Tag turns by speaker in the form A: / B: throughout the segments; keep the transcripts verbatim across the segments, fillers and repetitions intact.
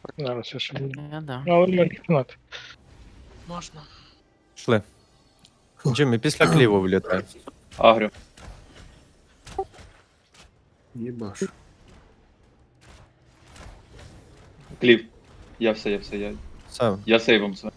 A: Зараз я ще буду.
B: Я да.
A: Ну, але можна кімнати.
B: Можна.
C: Шли. Джиммі, після кліву влітай.
D: Агрю.
E: Єбаш.
D: Кліп. Я все, я все, я.
C: Все.
D: Я сейвом все.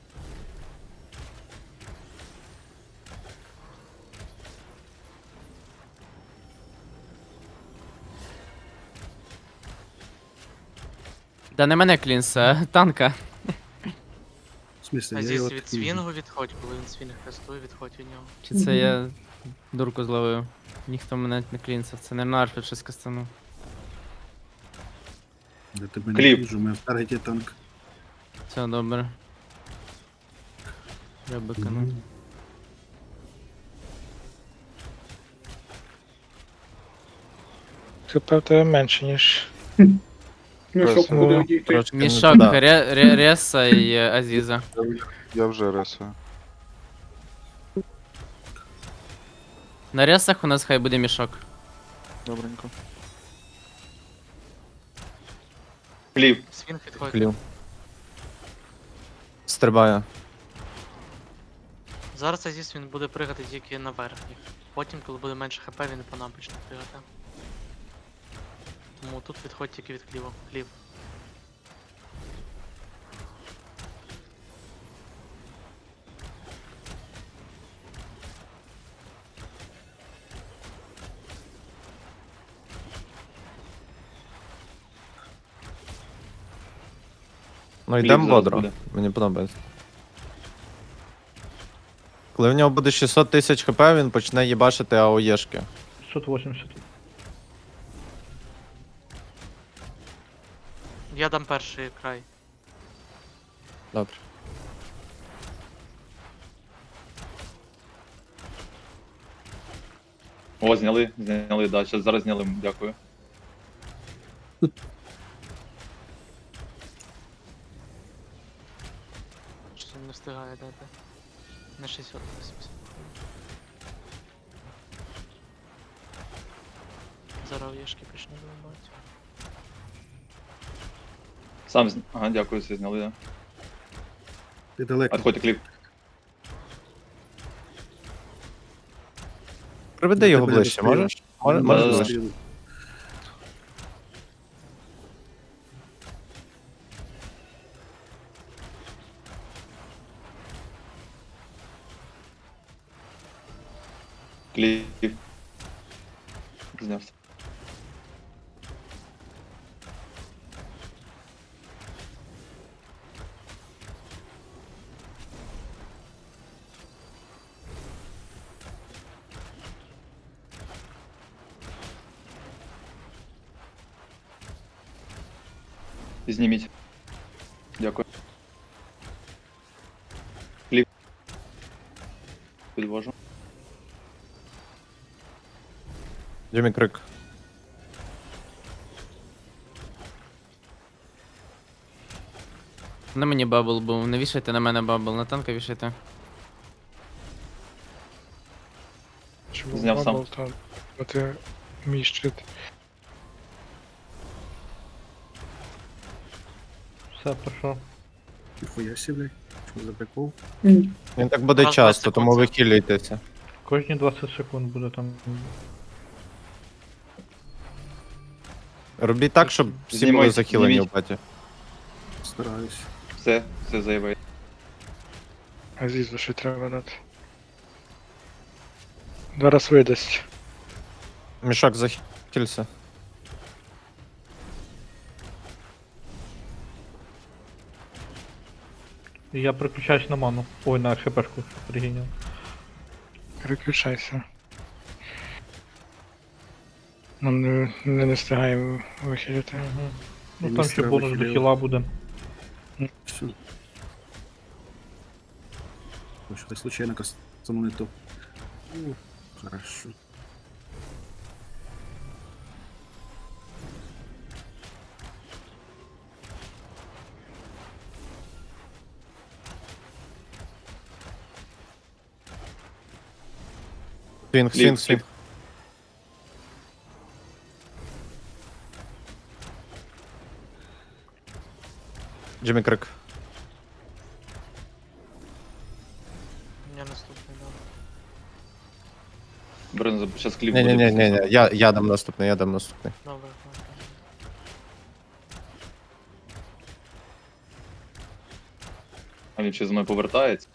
B: Да не мене клінс, а танка.
E: В смысле,
F: А
E: я
F: здесь
E: його
F: від
E: такий-
F: свінгу відходь, коли він свінг кастує, відходь від нього.
B: Чи це я дурку зловив? Ніхто мене не клінсив. Це не Арфід щось кастанув.
E: Я тебе не
D: Кліп.
E: вижу, у мене в таргеті танк.
B: Все добре. Я бикану.
E: Мгм.
A: ХП в тебе менше, ніж.
G: Мішок
A: Ну,
G: буде одійти.
C: Трошки не
B: Мішок,
C: туди.
B: Ре- Ре- Реса і е, Азіза.
G: Я вже ресую.
B: На Ресах у нас хай буде мішок.
G: Добренько.
D: Кліп.
F: Свінг відходь.
C: Клів. Стрибає.
F: Зараз Азіс він буде пригати тільки на верхніх. Потім, коли буде менше хп, він по нам почне пригати. Тому тут відходь тільки від кліву. Клів.
C: Ну
D: Кліп
C: йдемо
D: зараз
C: бодро.
D: буде.
C: Мені подобається. Коли в нього буде шістсот тисяч хп, він почне їбашити АОЄшки.
H: шістсот вісімдесят.
F: Я дам перший край.
C: Добре.
D: О, зняли, зняли, да, щас зараз зняли, дякую.
F: Щось він не встигає дати. На шістсот вісімдесят. Зараз єшки почне вибивати.
D: Сам з... Ага, дякую, все зняли, да.
E: Ти далеко.
D: Отходьте кліп.
C: Приведи
E: Я
C: його
E: тебе
C: ближче,
E: достаю.
C: можеш? Може-
E: Ну,
C: Можеш
D: да, да.
C: ближче?
D: Кліп. Знявся. Зніміть. Дякую. Кліп. Підвожу.
C: Джиммі крик.
B: На мені бабл був. Не вішайте на мене бабл, на танка вішайте.
A: Чому
D: Зняв сам.
A: бабл там? Бо ти мій щит.
H: Все, пройшов.
E: Ніхуя сі, блядь. Що за прикол?
C: Він так буде
F: Раз,
C: часто,
F: двадцять
C: тому ви
F: секунд.
C: хілюйтеся.
H: Кожні двадцять секунд буде там.
C: Робіть так, щоб всі були
D: Знімайте,
C: захилені
D: зніміть.
C: в паті.
E: Стараюсь.
D: Все, все заявив.
A: Азізу ще треба дати. Два раз видасть.
C: Мішок захилься.
H: І я переключаюсь на ману. Ой, на хпшку пригіняв.
A: Переключайся. Нам не, не, не встигаємо вихилити.
H: Угу. Ну
E: Я
H: там
E: не
H: ще
E: треба
H: бонус до
E: хілів.
H: хіла буде.
E: Все. Ой, що так случайно кастану не то. У, Хорошо.
C: Свінг,
D: Кліп,
C: свінг, свінг.
D: кліп.
C: Джиммі Крик.
F: Я наступний, да.
D: Брен, зараз кліп
C: Ні, ні, ні,
D: буде.
C: ні, ні. Я, я дам наступний, я дам наступний.
F: Добре, добре.
D: А він ще з мною повертається.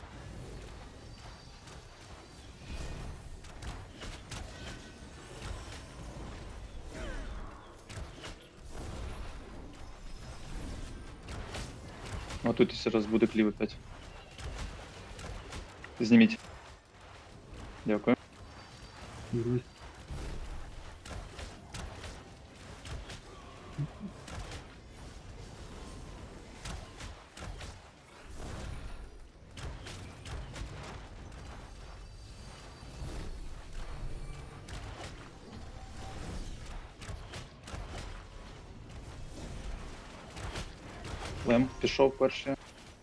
D: А тут ще раз буде клів опять. Зніміть. Дякую.
E: Угу.
D: Лем пішов перший.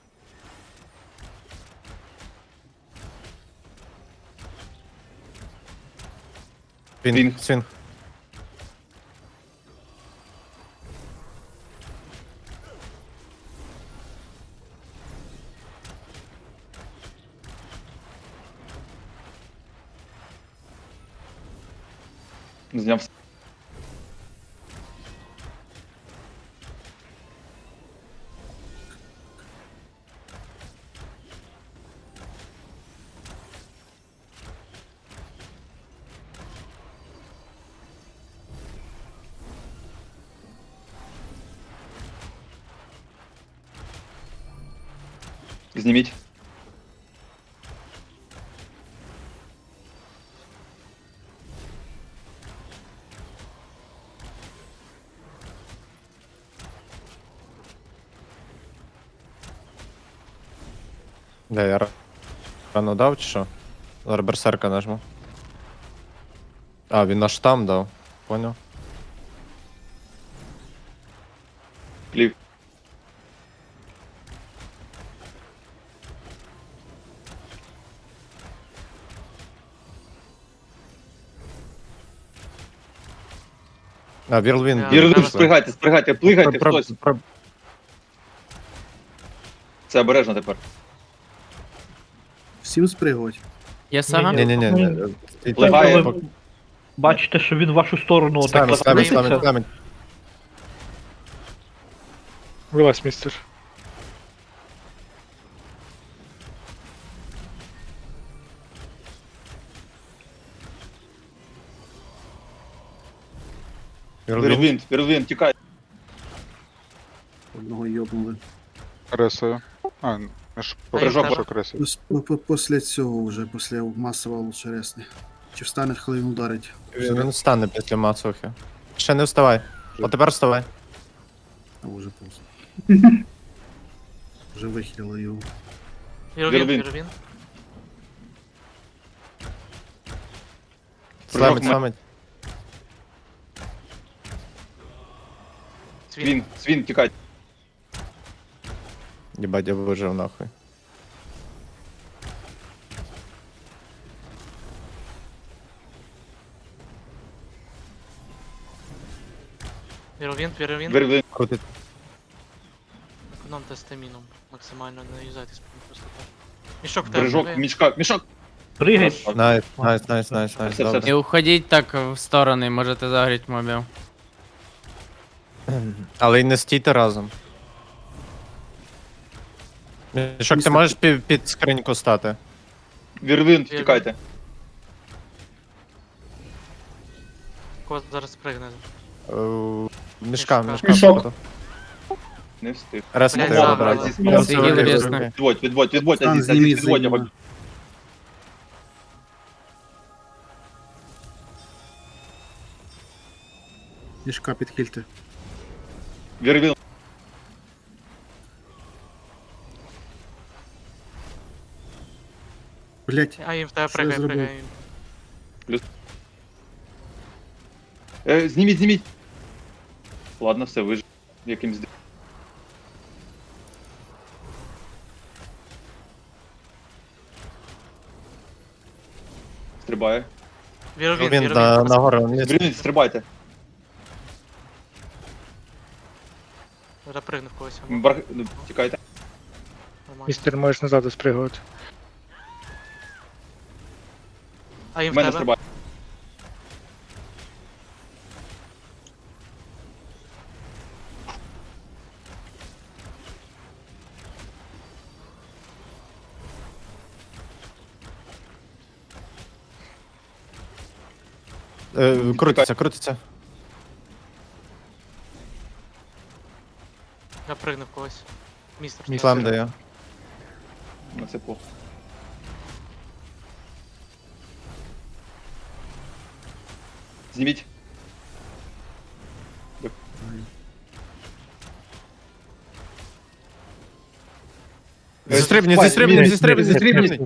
C: Свінг,
D: Свінг.
C: свінг.
D: Зняв. Зніміть.
C: Де я ра- рано дав чи що? Зараз берсерка нажму. А, він наш там дав. Поняв.
D: Клів.
C: А, Вірлвін.
F: Я-
D: Вірлин,
F: треба-
D: спригайте, спригайте, плигайте,
C: Про-
D: хтось.
C: про-
D: Це обережно тепер.
E: Всім спригувати.
B: Є сага?
H: Ні,
C: Ні, ні, ні. ні.
D: Пливає.
H: Ви бачите, що він в вашу сторону отак
C: Ставить, ставить,
H: розкрутиться.
C: ставить, ставить.
A: Вилазь, містер.
C: Вірлвін.
D: Вірлин, Вірлин, тікай.
E: Одного йобнули.
G: Ресою. А, не ж
D: Прыжок.
G: прыжок ресою.
E: Пос- по- по- Після цього вже, після масового лучше ресни. Чи встане, коли він ударить?
C: Він встане після Мацухи. Ще не вставай. От тепер вставай.
E: А вже поздно. Вже вихилили його.
F: Віровін,
D: Віровін.
F: віровін.
C: Сламить,
D: Прыжок.
C: сламить.
F: Свін.
D: Свін, свін, тікай.
C: Єбать, я вижив нахуй.
F: Віровін, віровін.
D: Вірлин.
C: Крутить.
F: Економте стаміну. Максимально не юзайтесь просто так. Мішок в тебе.
D: Прыжок,
F: живе?
D: мішка, мішок.
H: Пригай.
C: Найс, найс, найс, найс, найс.
D: Все, все,
C: Добре.
B: Не уходіть так в сторони, можете загріти мобів.
C: Але й не стійте разом. Мішок, ти
E: Містер-
C: можеш під, під скриньку стати?
D: Вірлин, тікайте.
F: Кот зараз пригне.
C: Е, Мішка,
F: Мішка.
C: мішка. походу.
D: Не встиг.
C: Реснути
F: Блядь,
C: його,
F: забрали.
C: брат.
D: Азіз,
C: Я
B: Сиділи
C: все
B: різно.
C: вирізав.
D: Відводь, відводь, відводь,
E: Стан
D: Азіз,
E: зніміть
D: Азіз, відводь
E: за
D: його.
E: нього. Мішка підхильте.
D: Вірлин.
E: Блять,
F: А їм в тебе
E: Що я
F: пригає,
E: зробив?
F: пригає.
D: Е, зніміть, зніміть. Ладно, все, вижив. Якимсь. ди- Стрибає.
F: Віровін,
C: Він
F: віровін.
C: на, на гору. Ні,
D: Вірлин, стрибайте.
F: Запригнув когось. або-
D: Бар... ну, Тікайте.
F: Нормально.
A: Містер, можеш назад спригувати.
F: А їм
D: В
F: в
D: мене
F: тебе?
D: стрибає.
C: Е, крутиться, крутиться.
F: Запригнув когось. Містер.
B: Містер.
C: Слайм дає.
D: Ну це плохо. Зніміть.
C: Зістрибніть,
D: Спай,
C: зістрибніть,
D: мінус,
C: зістрибніть,
D: мінус,
C: зістрибніть.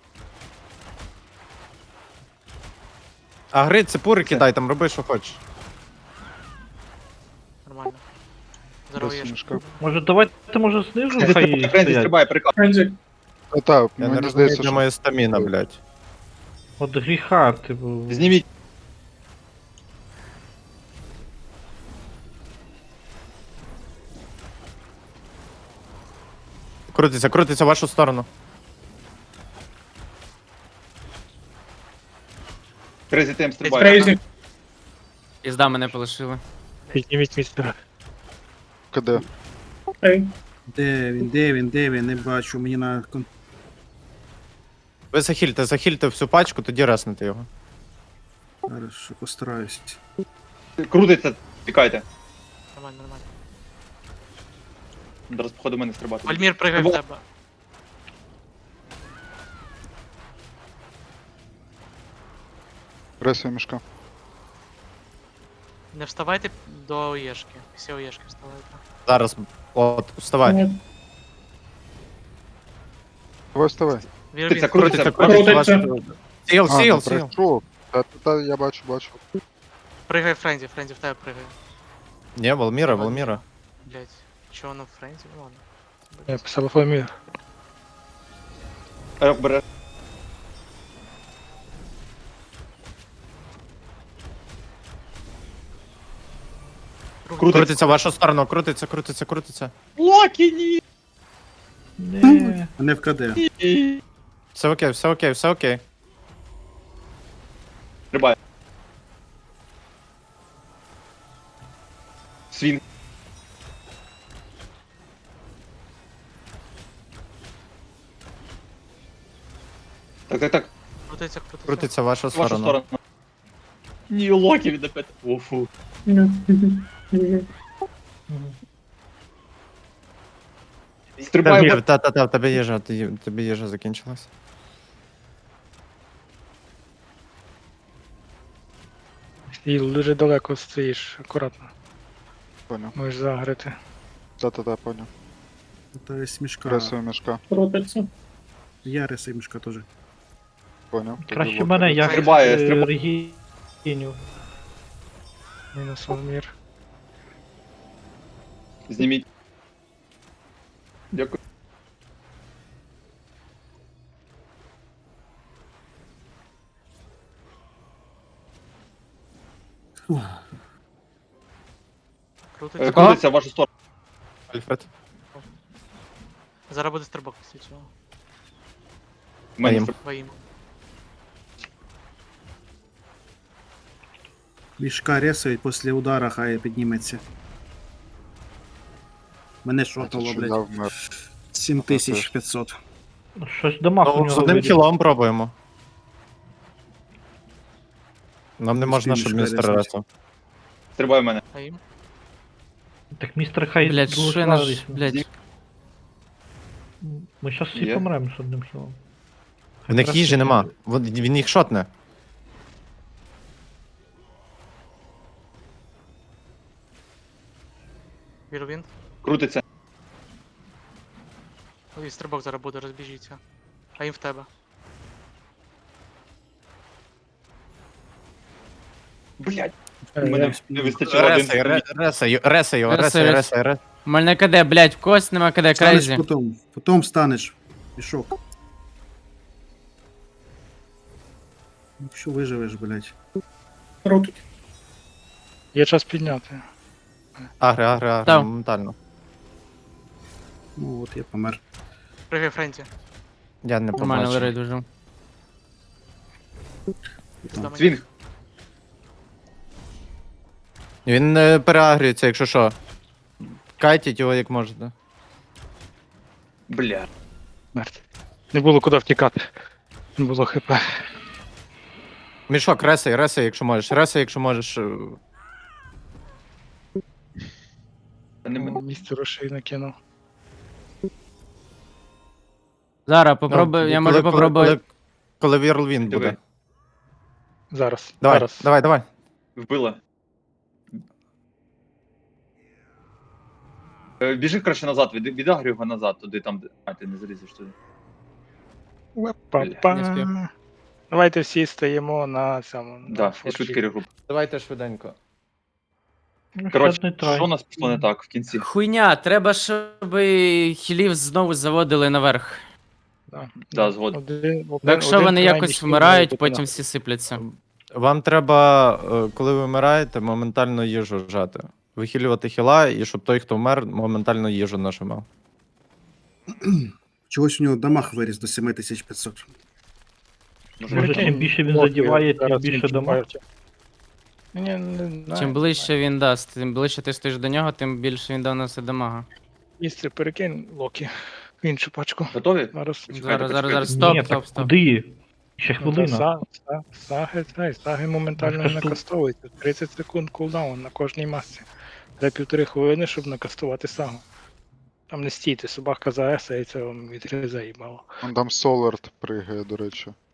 C: А гри, цепури кидай, там роби, що хочеш.
F: Нормально. Здорово,
G: Кресою
F: Єш.
G: мішка.
H: Може давайте може знизу хай
D: Френзі
H: стоять.
D: стрибає, приказ.
G: Та, та,
C: Я не
G: мені
C: розумію,
G: здається,
C: де
G: що...
C: моя стаміна, блядь.
H: От гріха, типу.
D: Зніміть.
C: Крутиться, крутиться в вашу сторону.
D: Крейзі тем стрибає.
B: Пізда мене полишили.
A: Підніміть містера.
G: КД.
E: Де він, де він, де він, не бачу, мені на кон-
C: Ви захильте, захильте всю пачку, тоді реснете його.
E: Хорошо, постараюсь.
D: Крутиться, тікайте.
F: Нормально, нормально.
D: Зараз, походу, мене стрибати.
F: Вальмір пригай в
D: Во.
F: тебе.
G: Кресою мішка.
F: Не вставайте до Єшки. Всі у Єшки вставайте.
C: Зараз, от, вставай.
G: Давай вставай.
D: Крутиться,
F: Вірвін.
D: крутиться.
C: Крутиться, вашу... Сіл,
G: А,
C: сіл,
G: ну,
C: сіл.
G: прийшов. Та, та, та, я бачу, бачу.
F: Пригай Френзі, Френзі в тебе пригай.
C: Ні, Волміра, Волміра.
F: Блять. Чого воно в Френзі? Ну ладно.
A: Я писав Фомір.
D: Рок бере. Крутиться.
C: Крутиться в вашу сторону, крутиться, крутиться, крутиться.
D: Локі, ні!
H: Не.
E: Мене в КД.
C: Все окей, все окей, все окей.
D: Стрибає. Свін. Так, так, так.
F: Крутиться, крутиться.
C: Крутиться в вашу
D: В вашу
C: сторону.
D: сторону. Ні, Локі від опять. Офу. Стрибає.
C: Волмір, та-та-та, в тебе їжа, ти- в тебе їжа закінчилась.
A: І дуже далеко стоїш, акуратно.
G: Поняв.
A: Можеш загрити.
G: Та, та, та, поняв.
E: Пытаюсь мішка.
G: Кресою мішка.
E: Я реси мішка теж.
G: Поняв. Тоді
H: Краще
G: локи.
H: мене, я
D: Стрибає,
H: е,
D: стрибає.
H: регіню.
A: Мінус Волмір.
D: Зніміть. Дякую.
F: Крутиться.
D: Е, Крутиться в вашу сторону.
C: Альфред.
F: Зараз буде стрибок після цього.
D: В мене
C: Аїм.
D: стриб-
F: Воїм.
E: Мішка ресають, після удара хай підніметься. Мене
G: Це
E: шотало,
G: що я
E: блядь.
G: вмер.
E: сім тисяч п'ятсот.
H: Щось дамаг у
C: Ну, з
H: нього
C: одним
H: виліз.
C: кілом пробуємо. Нам не можна, щоб
E: Мішка
C: містер
E: ресать.
C: ресав.
D: Стрибає в мене.
F: Воїм.
H: Так містер хай
B: Блять,
H: дуже
B: що я наш,
H: славись.
B: блять.
H: Ми щас всі
D: Є.
H: помремо з одним хілом.
C: В них їжі нема. Вон- Він їх шотне.
F: Вірвін.
D: Крутиться.
F: І стрибок зараз буде, розбіжіться. А їм в тебе.
D: Блять.
A: Е,
D: Мене
A: я-
D: не вистачило один.
C: Ресай, ре- ресай, ю- ресай його,
B: Ресай,
C: ресай,
B: ресай.
C: ресай, ресай.
B: У мене КД, блять, в когось нема КД,
E: Станеш
B: крейзі.
E: потом. Потом станеш. Пішок. Ну що виживеш, блядь.
A: Є час підняти.
C: Агри, агри, агри,
B: Став.
C: моментально.
E: Ну от я помер.
F: Пригай Френті.
C: Я не
B: Нормально,
C: побачив.
B: Лерей дуже.
F: Пізда мені.
D: Свінг.
C: Він не переагрюється, якщо що. Кайтіть його як можете.
D: Бля.
A: Смерть. Не було куди втікати. Не було хп.
C: Мішок, ресай, ресай, якщо можеш. Ресай, якщо можеш. е,
D: Та не мене.
A: Місце рушей накинув.
B: Зараз
C: ну,
B: попробую, я
C: коли-
B: можу
C: коли-
B: попробувати.
C: Коли, коли Вірлвін
D: Диви.
C: буде.
A: Зараз.
C: Давай,
A: Зараз.
C: давай, давай.
D: Вбила. Е, Біжи краще назад, від, відагрю його назад, туди там, де. А, ти не залізеш туди.
A: Па-па.
B: Не спів.
A: Давайте всі стоїмо на цьому. на
D: Да, і
A: форті.
D: швидкий регруп.
C: Давайте швиденько.
H: Ну,
D: Коротше,
H: щас не трай.
D: що у нас пішло не так в кінці?
B: Хуйня, треба, щоб хілів знову заводили наверх.
A: Да.
D: Да, згоден.
A: Один-
B: Бо
A: один-
B: якщо
A: один
B: вони
A: крайній
B: якось
A: хіл
B: вмирають,
A: має бути
B: потім
A: на-
B: всі сипляться.
C: Вам треба, е, коли ви вмираєте, моментально їжу вжати. Вихилювати хіла, і щоб той, хто вмер, моментально їжу нажимав.
E: Чогось у нього дамаг виріс до сім тисяч п'ятсот.
H: Може, чим більше він задіває, тим
A: Зараз
H: більше
A: він
H: дамаг.
A: чіпає. Ні, не знаю.
B: Чим ближче він дасть, тим ближче ти стоїш до нього, тим більше він доносить дамага.
A: Місце перекинь Локі в іншу пачку.
D: Готові?
A: Зараз.
D: Почекайте,
B: Зараз, зараз, зараз,
D: почекайте.
B: стоп,
H: Ні,
B: стоп,
H: так
B: стоп.
H: куди? Ще
A: Ну, та
H: хвилина.
A: са- са- Саги, цей, саги моментально
H: Ну, що
A: не
H: ж тут?
A: накастовуються. тридцять секунд кулдаун на кожній масці. Треба півтори хвилини, щоб накастувати сагу. Там не стійте, собака заесається, вам відрізає їбало.
G: Вон там Солард пригає, до речі.